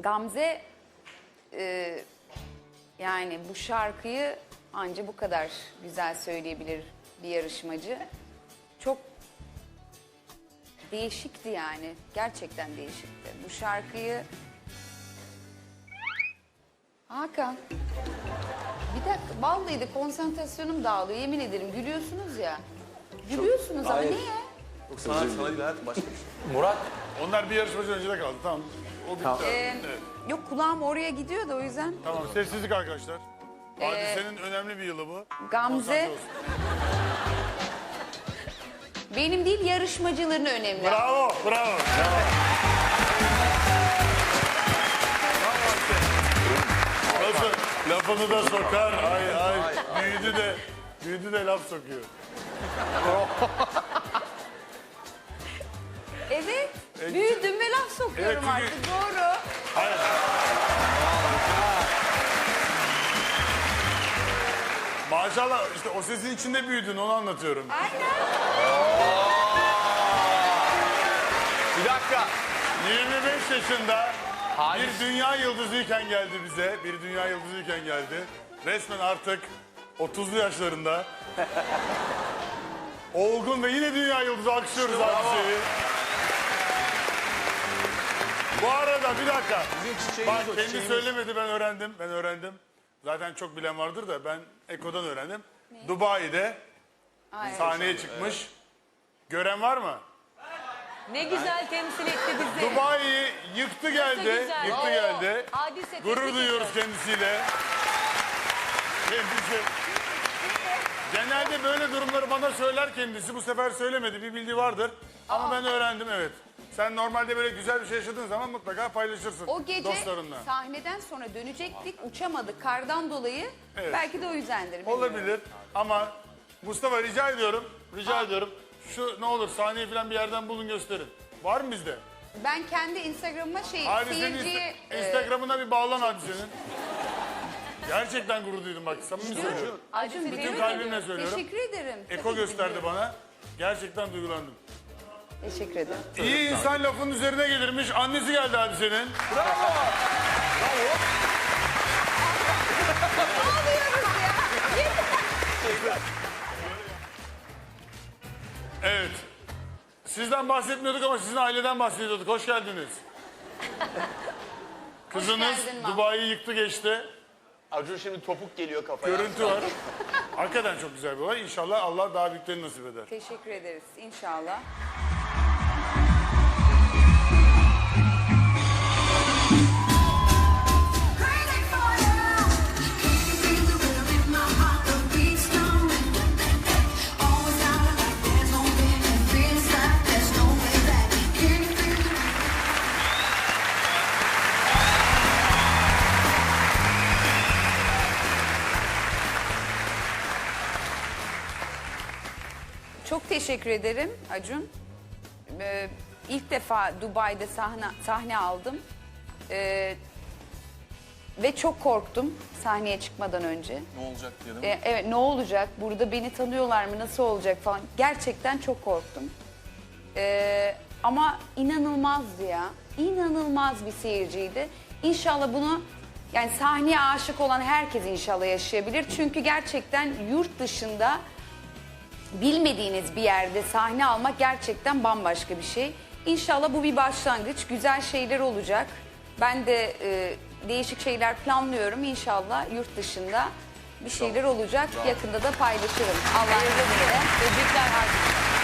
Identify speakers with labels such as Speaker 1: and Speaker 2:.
Speaker 1: Gamze yani bu şarkıyı anca bu kadar güzel söyleyebilir bir yarışmacı. Çok değişikti yani. Gerçekten değişikti. Bu şarkıyı... Hakan. Bir dakika. Vallahi de konsantrasyonum dağılıyor. Yemin ederim gülüyorsunuz ya. Gülüyorsunuz ama
Speaker 2: Hayır.
Speaker 1: niye?
Speaker 2: Sana değil hayatım başka bir şey.
Speaker 3: Murat,
Speaker 4: Onlar bir yarışmacı öncede kaldı. Tamam. O bitti.
Speaker 2: Tamam.
Speaker 4: Evet.
Speaker 1: Yok kulağım oraya gidiyor da o yüzden.
Speaker 4: Tamam. Sessizlik arkadaşlar. Hadisenin önemli bir yılı bu.
Speaker 1: Gamze
Speaker 4: Konsantre olsun.
Speaker 1: benim değil yarışmacıların önemli.
Speaker 4: Bravo. Bravo. Nasıl? Lafını da sokar. Ay. Büyüdü de laf sokuyor.
Speaker 1: Evet. Büyüdüm ve laf sokuyorum
Speaker 4: Evet, çünkü-
Speaker 1: artık. Doğru.
Speaker 4: Hayır. Maşallah işte o sesin içinde büyüdün onu anlatıyorum.
Speaker 1: Aynen.
Speaker 3: bir dakika.
Speaker 4: 25 yaşında
Speaker 3: Halis.
Speaker 4: bir dünya yıldızıyken geldi bize. Bir dünya yıldızıyken geldi. Resmen artık 30'lu yaşlarında. Olgun ve yine dünya yıldızı alkışlıyoruz hadiseyi. Bu arada bir dakika.
Speaker 2: Bizim çiçeğimiz
Speaker 4: Bak
Speaker 2: o,
Speaker 4: kendi
Speaker 2: çiçeğimiz.
Speaker 4: söylemedi ben öğrendim. Zaten çok bilen vardır da ben Eko'dan öğrendim. Dubai'de sahneye çıkmış. Gören var mı?
Speaker 5: Ne güzel temsil etti bizi.
Speaker 4: Dubai'yi yıktı geldi.
Speaker 5: güzel.
Speaker 4: Yıktı
Speaker 5: Oo,
Speaker 4: geldi.
Speaker 5: Hadise,
Speaker 4: Gurur
Speaker 5: tebrik
Speaker 4: duyuyoruz
Speaker 5: ediyorum.
Speaker 4: kendisiyle. Kendisi. Genelde böyle durumları bana söyler kendisi. Bu sefer söylemedi. Bir bildiği vardır. Ama ben öğrendim evet. Sen normalde böyle güzel bir şey yaşadığın zaman mutlaka paylaşırsın
Speaker 1: O gece
Speaker 4: dostlarınla.
Speaker 1: sahneden sonra dönecektik. Uçamadık kardan dolayı.
Speaker 4: Evet.
Speaker 1: Belki de o yüzdendir. bilmiyorum.
Speaker 4: Olabilir ama Mustafa rica ediyorum. Şu ne olur sahneyi falan bir yerden bulun gösterin. Var mı bizde?
Speaker 1: Ben kendi Instagram'ıma
Speaker 4: Hadisenin
Speaker 1: seyirciye...
Speaker 4: Instagram'ına bir bağlan hadisenin. Gerçekten gurur duydum bak samimi söylüyorum.
Speaker 1: Acun,
Speaker 4: Bütün
Speaker 1: tebrik
Speaker 4: kalbimle
Speaker 1: ediyorum.
Speaker 4: söylüyorum.
Speaker 1: Teşekkür ederim.
Speaker 4: Eko
Speaker 1: Tabii ki
Speaker 4: gösterdi
Speaker 1: biliyorum.
Speaker 4: bana. Gerçekten duygulandım.
Speaker 1: Teşekkür ederim.
Speaker 4: İyi insan lafın üzerine gelirmiş. Annesi geldi hadisenin. Evet. Sizden bahsetmiyorduk ama sizin aileden bahsediyorduk. Hoş geldiniz. Kızınız
Speaker 1: geldin Mahmut.
Speaker 4: Dubai'yi yıktı geçti.
Speaker 3: Acun şimdi topuk geliyor kafaya.
Speaker 4: Görüntü var. Hakikaten çok güzel bir olay. İnşallah Allah daha büyüklerini nasip eder.
Speaker 1: Teşekkür ederiz inşallah.
Speaker 6: Crazy for you. Can't feel the rhythm in my heart, the beat's coming. Always out like there's no limit. Feels like there's no way back. Can you feel the
Speaker 1: Çok teşekkür ederim Acun. İlk defa Dubai'de sahne aldım. Ve çok korktum sahneye çıkmadan önce.
Speaker 2: Ne olacak diye değil mi?
Speaker 1: Evet ne olacak? Burada beni tanıyorlar mı? Nasıl olacak falan. Gerçekten çok korktum. Ama inanılmazdı ya. İnanılmaz bir seyirciydi. İnşallah bunu yani sahneye aşık olan herkes inşallah yaşayabilir. Çünkü gerçekten yurt dışında bilmediğiniz bir yerde sahne almak gerçekten bambaşka bir şey. İnşallah bu bir başlangıç. Güzel şeyler olacak. Ben de değişik şeyler planlıyorum. İnşallah yurt dışında bir şeyler olacak. Yakında da paylaşırım. Allah'ın izniyle.
Speaker 5: Tebrikler.